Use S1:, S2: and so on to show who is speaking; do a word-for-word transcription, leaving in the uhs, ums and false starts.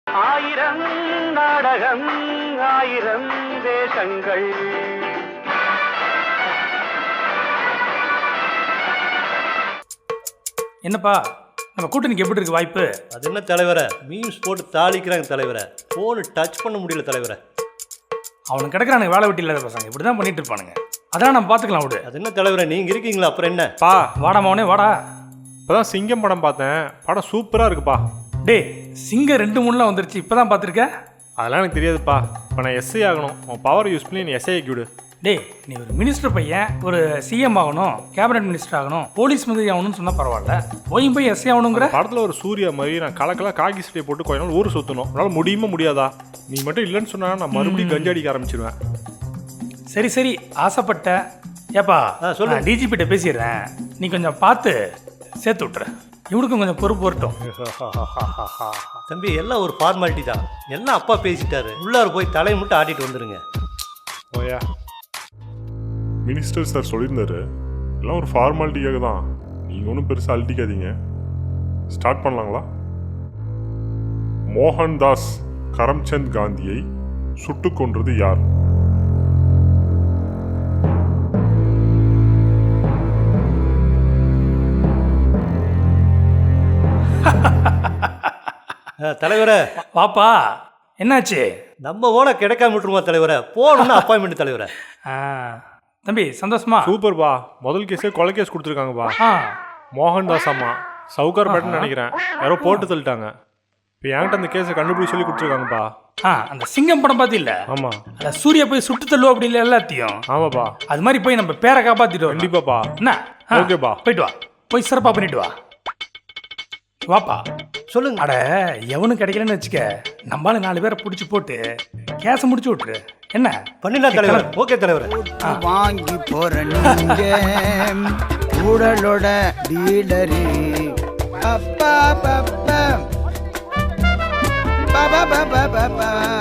S1: ஆயிரம் நாடகம் ஆயிரம் வேஷங்கள்.
S2: என்னப்பா நம்ம கூட்டணிக்கு எப்படி இருக்கு வாய்ப்பு?
S3: அது என்ன தலைவரை, மீம்ஸ் போட்டு தாளிக்கிறாங்க தலைவரை, ஃபோனு டச் பண்ண முடியல தலைவரை.
S2: அவனுக்கு கிடக்குறானுங்க வேலை வெட்டி இல்லாத பசங்க, இப்படி தான் பண்ணிட்டு இருப்பானுங்க. அதான் நம்ம பார்த்துக்கலாம் விடு.
S3: அது என்ன தலைவரை, நீங்கள் இருக்கீங்களா அப்புறம் என்ன?
S2: பா வாடா மவனே வாடா.
S4: இப்போதான் சிங்கம் படம் பார்த்தேன், படம் சூப்பராக இருக்குப்பா.
S2: டே சிங்கம் ரெண்டு மூணுலாம் வந்துருச்சு, இப்போ தான் பார்த்துருக்கேன்.
S4: அதெல்லாம் எனக்கு தெரியாதுப்பா. இப்போ நான் எஸ்ஐ ஆகணும், உன் பவர் யூஸ் பண்ணி நீ எஸ்ஐ ஆக்கி விடு.
S2: டே நீ ஒரு மினிஸ்டர் பையன், ஒரு சிஎம் ஆகணும், கேபினட் மினிஸ்டர் ஆகணும், போலீஸ் மந்திரி ஆகணும்னு சொன்னால் பரவாயில்ல, போயும் போய் எஸ்ஐ ஆகணுங்கிற.
S4: படத்தில் ஒரு சூர்யா மாதிரி நான் கலக்கெல்லாம் காக்கி சட்டையை போட்டு கொஞ்ச நாள் ஊர் சுற்றணும். உன்னால் முடியுமா முடியாதா? நீ மட்டும் இல்லைன்னு சொன்னா நான் மறுபடியும் கஞ்சி அடிக்க ஆரம்பிச்சிருவேன்.
S2: சரி சரி ஆசைப்பட்ட ஏப்பா சொல்ல டிஜிபிட்ட பேசிடுறேன், நீ கொஞ்சம் பார்த்து சேர்த்து விட்டுற, இவனுக்கும் கொஞ்சம் பொறுப்பு வரட்டும்.
S3: தம்பி எல்லாம் ஒரு ஃபார்மாலிட்டி தான், எல்லாம் அப்பா பேசிட்டாரு, உள்ளார போய் தலையை மட்டும் ஆட்டிட்டு வந்துடுங்க.
S4: ஓயா
S5: மினிஸ்டர் சார் சொல்லியிருந்தாரு, எல்லாம் ஒரு ஃபார்மாலிட்டிக்காக தான், நீங்கள் ஒன்றும் பெருசாக அழட்டிக்காதீங்க. ஸ்டார்ட் பண்ணலாங்களா? மோகன்தாஸ் கரம்சந்த் காந்தியை சுட்டு கொன்றது யார்?
S3: தலைவரை
S2: பாப்பா என்னாச்சு?
S3: நம்ம ஓன கிடைக்காம விட்டுருமா தலைவரை, போகணும்னா அப்பாயின்மெண்ட் தலைவரை.
S2: தம்பி சந்தோஷமா?
S4: சூப்பர்பா. முதல் கேஸே கொலை கேஸ் கொடுத்துருக்காங்கப்பா. மோகன்தாஸ் அம்மா சவுகார் பேட்டன் நினைக்கிறேன், யாரோ போட்டு தள்ளிட்டாங்க. இப்போ என்கிட்ட அந்த கேஸை கண்டுபிடிச்சி சொல்லி கொடுத்துருக்காங்கப்பா.
S2: ஆ அந்த சிங்கம் படம் பார்த்தில்ல?
S4: ஆமாம்.
S2: அந்த சூர்யா போய் சுட்டு தள்ளுவோம் அப்படி இல்லை எல்லாத்தையும்.
S4: ஆமாப்பா.
S2: அது மாதிரி போய் நம்ம பேரை காப்பாற்றிட்டு
S4: கண்டிப்பாப்பா.
S2: என்ன?
S4: ஓகேப்பா,
S2: போயிட்டு வா, போய் சிறப்பாக பண்ணிட்டு வா. வாப்பா
S3: சொல்லுங்க.
S2: அட எவனும் கிடைக்கலன்னு வச்சுக்க, நம்மளால நாலு பேரை பிடிச்சி போட்டு கேஸை முடிச்சு விட்டுரு. என்ன
S3: பண்ணிடலாம் தலைவர். ஓகே தலைவர்.
S6: வாங்கி போறீங்க உடலோட டீலரி. அப்பா பாப்பா பாபா பாபா பாபா